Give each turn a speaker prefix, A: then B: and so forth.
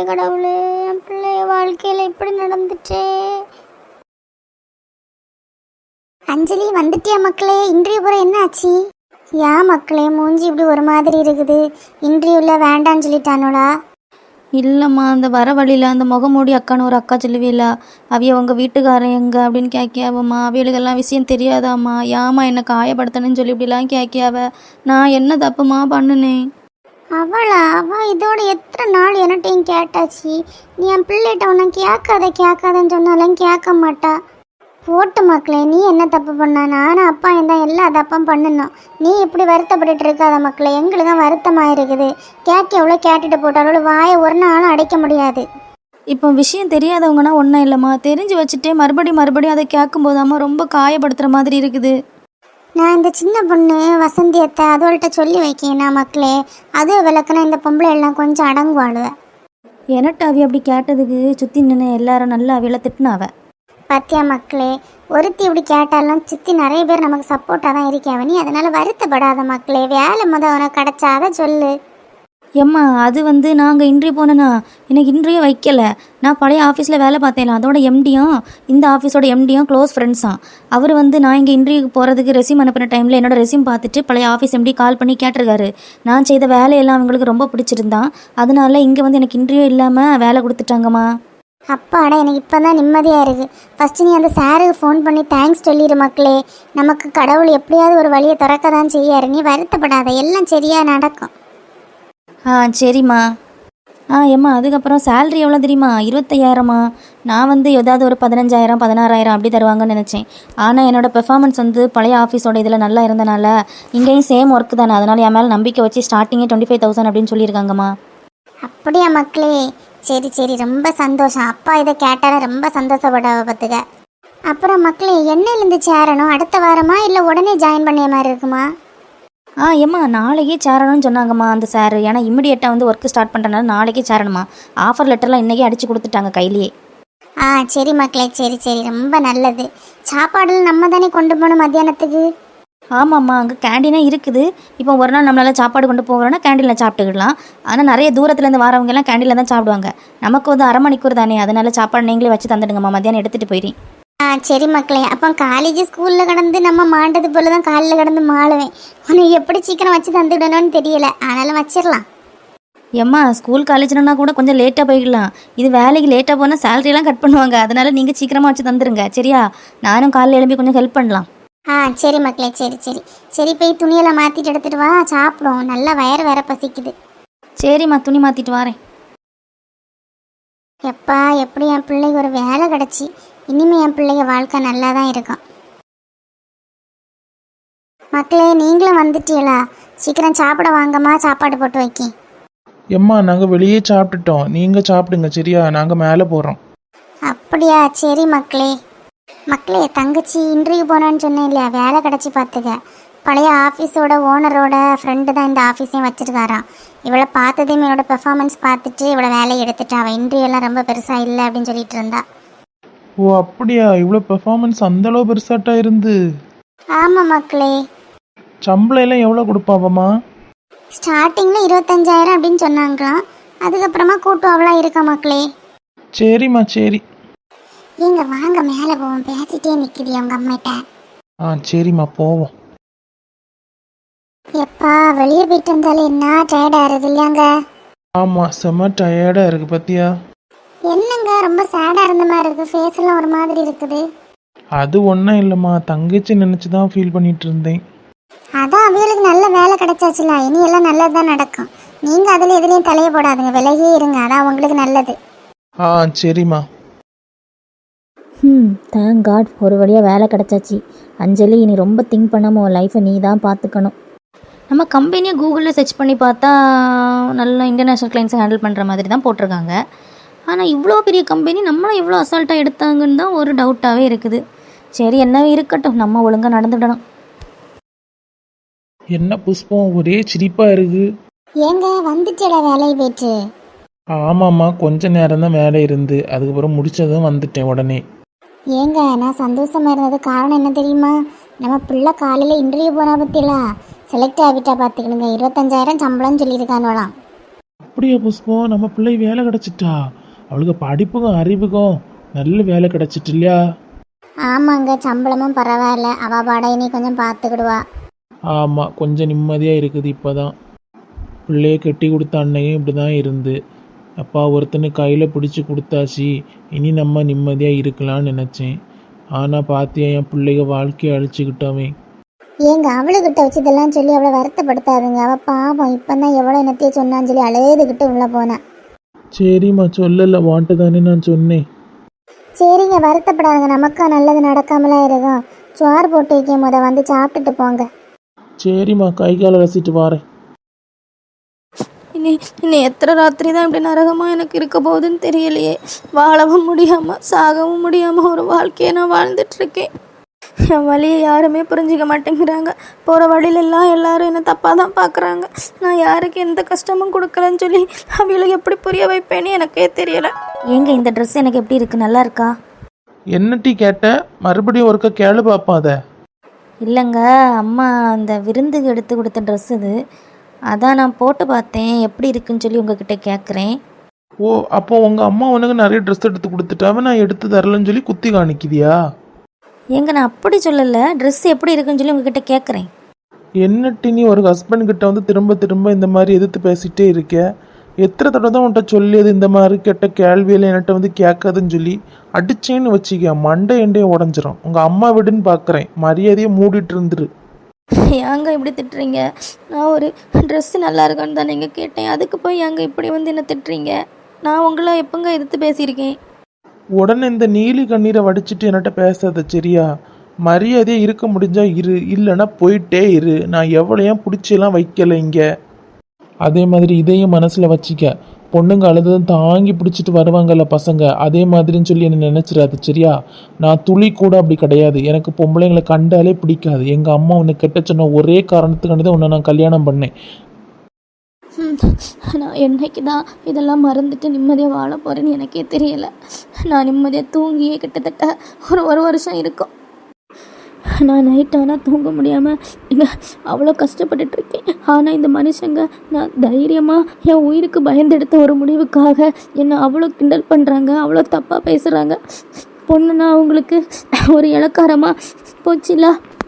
A: கடவுளே, என் பிள்ளைய வாழ்க்கையில் இப்படி நடந்துச்சே. அஞ்சலி வந்துட்டியா மக்களே? இன்டர்வியூ போகிற என்ன ஆச்சு? ஏன் மக்களே மூஞ்சி இப்படி ஒரு மாதிரி இருக்குது? இன்டர்வியூவில் வேண்டான்னு சொல்லிட்டானோடா?
B: இல்லைம்மா, அந்த வர வழியில் அந்த முகமூடி அக்கான்னு ஒரு அக்கா சொல்லுவீல, அவிய உங்கள் வீட்டுக்காரன் எங்க அப்படின்னு கேட்கியாவம்மா. அவியலுக்கெல்லாம் விஷயம் தெரியாதாம்மா? ஏம்மா என்னை காயப்படுத்தணும்னு சொல்லி இப்படிலாம் கேட்கியாவ. நான் என்ன தப்புமா பண்ணுனேன்?
A: அவள் இதோட எத்தனை நாள் என்னட்டையும் கேட்டாச்சு. நீ என் பிள்ளைகிட்ட உன்னை கேட்காதன்னு சொன்னாலும் கேட்க மாட்டா. போட்டு மக்களே, நீ என்ன தப்பு பண்ண? நானும் அப்பா தான் எல்லா தப்பும் பண்ணணும். நீ இப்படி வருத்தப்பட்டு இருக்காத மக்களே, எங்களுக்கு தான் வருத்தமாக இருக்குது. எவ்வளோ கேட்டுட்டு போட்டாலும் வாயை ஒரு நாளும் அடைக்க முடியாது.
B: இப்போ விஷயம் தெரியாதவங்கன்னா ஒன்றும் இல்லைம்மா, தெரிஞ்சு வச்சுட்டே மறுபடியும் அதை கேட்கும்போதாம்மா ரொம்ப காயப்படுத்துகிற மாதிரி இருக்குது.
A: நான் இந்த சின்ன பொண்ணு வசந்தியத்தை அதோள்கிட்ட சொல்லி வைக்கேனா மக்களே, அதுவும் விளக்குனா இந்த பொம்பளை எல்லாம் கொஞ்சம் அடங்குவாளுவேன்.
B: எனட்டு அவி அப்படி கேட்டதுக்கு சுற்றி நின்று எல்லாரும் நல்லா அவியலை திட்டினாவ.
A: பத்தியா மக்களே, ஒருத்தி இப்படி கேட்டாலும் சுற்றி நிறைய பேர் நமக்கு சப்போர்ட்டாக தான் இருக்காவ. நீ அதனால் வருத்தப்படாத மக்களே. வேலை உனக்கு கிடச்சாத சொல்லு.
B: ஏம்மா, அது நாங்கள் இன்டர்வியூ போனேன்னா எனக்கு இன்டர்வியூ வைக்கலை. நான் பழைய ஆஃபீஸில் வேலை பார்த்தேன். அதோட எம்டியும் இந்த ஆஃபீஸோட எம்டியும் க்ளோஸ் ஃப்ரெண்ட்ஸாம். அவர் நான் இங்கே இன்டர்வியூக்கு போகிறதுக்கு ரெஸ்யூம் அனுப்பின டைமில் என்னோட ரெஸ்யூம் பார்த்துட்டு பழைய ஆஃபீஸ் எம்டி கால் பண்ணி கேட்டிருக்காரு. நான் செய்த வேலையெல்லாம் அவங்களுக்கு ரொம்ப பிடிச்சிருந்தான். அதனால இங்கே எனக்கு இன்டர்வியூ இல்லாமல் வேலை கொடுத்துட்டாங்கம்மா.
A: அப்பாடா, எனக்கு இப்போ தான் நிம்மதியாக இருக்குது. ஃபஸ்ட்டு நீ அந்த சாருக்கு ஃபோன் பண்ணி தேங்க்ஸ் சொல்லிடு மக்களே. நமக்கு கடவுள் எப்படியாவது ஒரு வழியை திறக்க தான் செய்யாரு. நீ வருத்தப்படாத, எல்லாம் சரியாக நடக்கும்.
B: சரிம்மா. ஏம்மா, அதுக்கப்புறம் சேலரி எவ்வளோ தெரியுமா? 25,000மா. நான் ஏதாவது ஒரு 15,000 16,000 அப்படி தருவாங்கன்னு நினச்சேன். ஆனால் என்னோடய பெர்ஃபார்மன்ஸ் பழைய ஆஃபீஸோட இதில் நல்லா இருந்தனால இங்கேயும் சேம் ஒர்க்கு தானே, அதனால் என் மேலே நம்பிக்கை வச்சு ஸ்டார்டிங்கே 25,000 அப்படின்னு சொல்லியிருக்காங்கம்மா.
A: அப்படியா மக்களே? சரி, ரொம்ப சந்தோஷம். அப்பா இதை கேட்டாலும் ரொம்ப சந்தோஷப்பட பார்த்துக்க. அப்புறம் மக்களே, என்னையிலேருந்து சேரணும்? அடுத்த வாரமா இல்லை உடனே ஜாயின் பண்ணிய மாதிரி இருக்குமா?
B: ஏம்மா, நாளைக்கே சேரணும்னு சொன்னாங்கம்மா அந்த சார். ஏன்னா இம்மிடியேட்டாக ஒர்க்கு ஸ்டார்ட் பண்ணுறனால நாளைக்கே சேரணுமா. ஆஃபர் லெட்டர்லாம் இன்றைக்கே அடித்து கொடுத்துட்டாங்க கையிலேயே.
A: சரி மக்களே, சரி, ரொம்ப நல்லது. சாப்பாடுலாம் நம்ம தானே கொண்டு போகணும் மத்தியானத்துக்கு?
B: ஆமாம்மா, அங்கே கேண்டீனாக இருக்குது. இப்போ ஒரு நாள் நம்மளால் சாப்பாடு கொண்டு போகிறோன்னா கேண்டீனில் சாப்பிட்டுக்கிடலாம். ஆனால் நிறைய தூரத்துலேருந்து வரவங்கெல்லாம் கேண்டீனில் தான் சாப்பிடுவாங்க. நமக்கு அரை மணிக்கூர் தானே, அதனால சாப்பாடு நீங்களே வச்சு தந்துடுங்கம்மா. மத்தியானம் எடுத்துகிட்டு போயிடுறேன்.
A: சரி மக்களே. அப்போ காலேஜ் ஸ்கூலில் கடந்து நம்ம மாண்டது போல தான் காலையில் கடந்து மாளுவேன். உனக்கு எப்படி சீக்கிரம் வச்சு தந்துவிடணும்னு தெரியல, ஆனாலும் வச்சிடலாம்.
B: ஏம்மா, ஸ்கூல் காலேஜ்னா கூட கொஞ்சம் லேட்டாக போய்க்கலாம். இது வேலைக்கு லேட்டாக போனால் சேலரியெல்லாம் கட் பண்ணுவாங்க. அதனால் நீங்கள் சீக்கிரமாக வச்சு தந்துடுங்க சரியா? நானும் காலையில் எழுப்பி கொஞ்சம் ஹெல்ப் பண்ணலாம்.
A: சரி மக்களே, சரி போய் துணியெல்லாம் மாற்றிட்டு எடுத்துகிட்டு வா, சாப்பிடும். நல்லா வயறு வேற பசிக்குது.
B: சரிம்மா, துணி மாற்றிட்டு வரேன்.
A: எப்பா, எப்படி என் பிள்ளைக்கு ஒரு வேலை கிடச்சி. இனிமேல் என் பிள்ளைங்க வாழ்க்கை நல்லா தான் இருக்கும். மக்களே, நீங்களும் வந்துட்டீங்களா? சீக்கிரம் சாப்பிட வாங்கம்மா, சாப்பாடு போட்டு வைக்கி.
C: எம்மா, நாங்கள் வெளியே சாப்பிட்டுட்டோம். நீங்கள் சாப்பிடுங்க சரியா? நாங்கள் மேலே போகிறோம்.
A: அப்படியா? சரி மக்களே. தங்கச்சி இன்டர்வியூ போனான்னு சொன்னேன் இல்லையா, வேலை கிடச்சி பார்த்துக்க. பழைய ஆஃபீஸோட ஓனரோட ஃப்ரெண்டு தான் இந்த ஆஃபீஸையும் வச்சுருக்காராம். இவளை பார்த்ததையும் என்னோட பெர்ஃபார்மன்ஸ் பார்த்துட்டு இவளை வேலையை எடுத்துட்டா. அவள் இன்டர்வியூலாம் ரொம்ப பெருசாக இல்லை அப்படின்னு சொல்லிட்டு இருந்தா.
C: ஓ அப்படியா? இவ்வளோ பெர்ஃபார்மன்ஸ் அந்தளவு பெருசாட்டா இருந்து?
A: ஆமாம் மக்களே.
C: சம்பளம் எல்லாம் எவ்வளோ கொடுப்பாவம்மா?
A: ஸ்டார்டிங்கில் 25,000 அப்படின்னு சொன்னாங்களாம். அதுக்கப்புறமா கூட்டுவாவெலாம் இருக்கா மக்களே.
C: சரிம்மா, சரி.
A: நீங்க வாங்க மேலே போவோம். பேசிட்டே நிற்கிது அவங்க அம்மிட்ட.
C: சரிம்மா, போவோம்.
A: எப்பா, வெளியே போயிட்டு வந்தாலே என்ன டயர்டாக இருக்குது இல்லையாங்க?
C: ஆமாம், செம்ம டயர்டாக இருக்குது பத்தியா?
A: என்னங்க ரொம்ப சேடாக இருந்த மாதிரி இருக்குது, ஃபேஸ் எல்லாம் ஒரு மாதிரி இருக்குது.
C: அது ஒன்றும் இல்லைம்மா, தங்கச்சி நினச்சி தான் ஃபீல் பண்ணிட்டு இருந்தேன்.
A: அதான் அவங்களுக்கு நல்ல வேலை கிடைச்சாச்சுல, இனி எல்லாம் நல்லது தான் நடக்கும். நீங்கள் அதில் எதுலேயும் தலையை போடாதுங்க, விலகியே இருங்க, அதான் உங்களுக்கு நல்லது.
C: சரிம்மா.
B: தேங்க் காட், ஒரு வழியாக வேலை கிடச்சாச்சு. அஞ்சலி, இனி ரொம்ப திங்க் பண்ணாமல் உன் லைஃப்பை நீ தான் பார்த்துக்கணும். நம்ம கம்பெனியை கூகுளில் சர்ச் பண்ணி பார்த்தா நல்லா இன்டர்நேஷ்னல் கிளைண்ட்ஸை ஹேண்டில் பண்ணுற மாதிரி தான் போட்டிருக்காங்க. ஆனால் இவ்வளோ பெரிய கம்பெனி நம்மளும் இவ்வளோ அசால்ட்டாக எடுத்தாங்கன்னு தான் ஒரு டவுட்டாகவே இருக்குது. சரி, என்னவே இருக்கட்டும், நம்ம ஒழுங்காக நடந்துடணும்.
C: என்ன புஷ்பம், ஒரே சிரிப்பாக இருக்கு.
A: ஏங்க வந்துட்டேடா வேலையை போயிட்டு?
C: ஆமாம்மா, கொஞ்ச நேரம் தான் வேலை இருந்து அதுக்கப்புறம் முடிச்சதும் வந்துட்டேன் உடனே.
A: ஏங்க நான் சந்தோஷமா இருந்தது காரணம் என்ன தெரியுமா? நம்ம பிள்ளை காலையில் இன்டர்வியூ போனா பற்றிலாம் செலக்ட் ஆகிட்டா பார்த்துக்கணுங்க. 25,000 சம்பளம்னு சொல்லியிருக்கானோலாம்.
C: அப்படியா புஷ்பம், நம்ம பிள்ளை வேலை கிடச்சிட்டா? அவளுக்கு படிப்புக்கும் அறிவுக்கும் நல்ல வேலை கிடச்சிட்டு இல்லையா?
A: ஆமாங்க, சம்பளமும் பரவாயில்ல, அவள் பாட இனி கொஞ்சம் பார்த்துக்கிடுவா.
C: ஆமாம், கொஞ்சம் நிம்மதியாக இருக்குது இப்போ தான். பிள்ளைய கட்டி கொடுத்த அன்னையும் இப்படி தான் இருந்து, அப்பா ஒருத்தனை கையில் பிடிச்சி கொடுத்தாச்சு, இனி நம்ம நிம்மதியாக இருக்கலாம்னு நினச்சேன். ஆனால் பார்த்தியா என் பிள்ளைக வாழ்க்கையை அழிச்சுக்கிட்டவன்.
A: ஏங்க அவளுக்கிட்ட வச்சு இதெல்லாம் சொல்லி அவளை வருத்தப்படுத்தாதுங்க. அவள் பாவம் இப்போ தான் எவ்வளோ என்னத்தையே சொன்னான்னு சொல்லி அழுதுகிட்டு உள்ளே போனேன்.
C: சரிம்மா, சொல்லலை, வாண்ட்டு தானே நான் சொன்னேன்.
A: சரிங்க, வருத்தப்படாதுங்க, நமக்கா நல்லது நடக்காமலாம் இருக்கும். சோறு போட்டு வைக்கும் போத வந்து சாப்பிட்டுட்டு போங்க.
C: சரிம்மா, கை காலை ரசிட்டு வாரேன்.
B: இனி எத்தனை ராத்திரி தான் இப்படி நரகமாக எனக்கு இருக்க போகுதுன்னு தெரியலையே. வாழவும் முடியாமல் சாகவும் முடியாமல் ஒரு வாழ்க்கையை நான் வாழ்ந்துட்டுருக்கேன். என் வழியை யாருமே புரிஞ்சிக்க மாட்டேங்கிறாங்க. போகிற வழியிலெல்லாம் எல்லாரும் என்னை தப்பாக தான் பார்க்குறாங்க. நான் யாருக்கு எந்த கஷ்டமும் கொடுக்கலன்னு சொல்லி அவங்களுக்கு எப்படி புரிய வைப்பேன்னு எனக்கே தெரியலை. ஏங்க இந்த ட்ரெஸ் எனக்கு எப்படி இருக்குது, நல்லா இருக்கா?
C: என்ன டீ கேட்ட? மறுபடியும் ஒருக்க கேளு பார்ப்போம் அதை.
B: இல்லைங்க, அம்மா அந்த விருந்துக்கு எடுத்து கொடுத்த ட்ரெஸ் இது. அதான் நான் போட்டு பார்த்தேன், எப்படி இருக்குன்னு சொல்லி உங்ககிட்ட கேட்குறேன்.
C: ஓ, அப்போ உங்கள் அம்மா உனக்கு நிறைய ட்ரெஸ் எடுத்து கொடுத்துட்டாவே நான் எடுத்து தரலன்னு சொல்லி குத்தி காணிக்குதியா?
B: ஏங்க நான் அப்படி சொல்லலை, ட்ரெஸ் எப்படி இருக்குன்னு சொல்லி உங்ககிட்ட கேட்குறேன்.
C: என்ன டீ நீ ஒரு ஹஸ்பண்ட் கிட்ட வந்து திரும்ப திரும்ப இந்த மாதிரி எதிர்த்து பேசிகிட்டே இருக்க? எத்தனை தடவை தான் உன்கிட்ட சொல்லியது இந்த மாதிரி கெட்ட கேள்வியில் என்கிட்ட வந்து கேட்காதுன்னு சொல்லி? அடிச்சேன்னு வச்சுக்க மண்டை எண்டையும் உடஞ்சிரும். உங்கள் அம்மா வீடுன்னு பார்க்குறேன், மரியாதையை மூடிட்டு இருந்துரு.
B: ஏங்க இப்படி திட்டுறீங்க? நான் ஒரு ட்ரெஸ்ஸு நல்லா இருக்கான்னு தான் நீங்கள் கேட்டேன், அதுக்கு போய் ஏங்க இப்படி வந்து என்ன திட்டுறீங்க? நான் உங்களை எப்போங்க எதிர்த்து பேசியிருக்கேன்?
C: உடனே இந்த நீலி கண்ணீரை வடிச்சிட்டு என்கிட்ட பேசாத சரியா? மரியாதையாக இருக்க முடிஞ்சா இரு, இல்லைன்னா போயிட்டே இரு. நான் எவ்வளோயும் பிடிச்செல்லாம் வைக்கலை இங்கே. அதே மாதிரி இதையும் மனசில் வச்சிக்க. பொண்ணுங்க அழுதும் தாங்கி பிடிச்சிட்டு வருவாங்கல்ல பசங்க, அதே மாதிரின்னு சொல்லி என்ன நினச்சிடாது சரியா? நான் துளி கூட அப்படி கிடையாது. எனக்கு பொம்பளைங்களை கண்டாலே பிடிக்காது. எங்கள் அம்மா உன்னை கெட்ட சொன்ன ஒரே காரணத்துக்காண்டி தான் உன்னை நான் கல்யாணம் பண்ணேன்.
B: நான் என்னைக்கு தான் இதெல்லாம் மறந்துட்டு நிம்மதியாக வாழ போகிறேன்னு எனக்கே தெரியலை. நான் நிம்மதியாக தூங்கியே கிட்டத்தட்ட ஒரு வருஷம் இருக்கும். நான் நைட் ஆனால் தூங்க முடியாமல் இங்கே அவ்வளோ கஷ்டப்பட்டுட்ருக்கேன். ஆனால் இந்த மனுஷங்க நான் தைரியமாக என் உயிருக்கு பயந்தெடுத்த ஒரு முடிவுக்காக என்னை அவ்வளோ கிண்டல் பண்ணுறாங்க, அவ்வளோ தப்பாக பேசுகிறாங்க. பொண்ணுன்னா அவங்களுக்கு ஒரு இலக்காரமாக போச்சுல.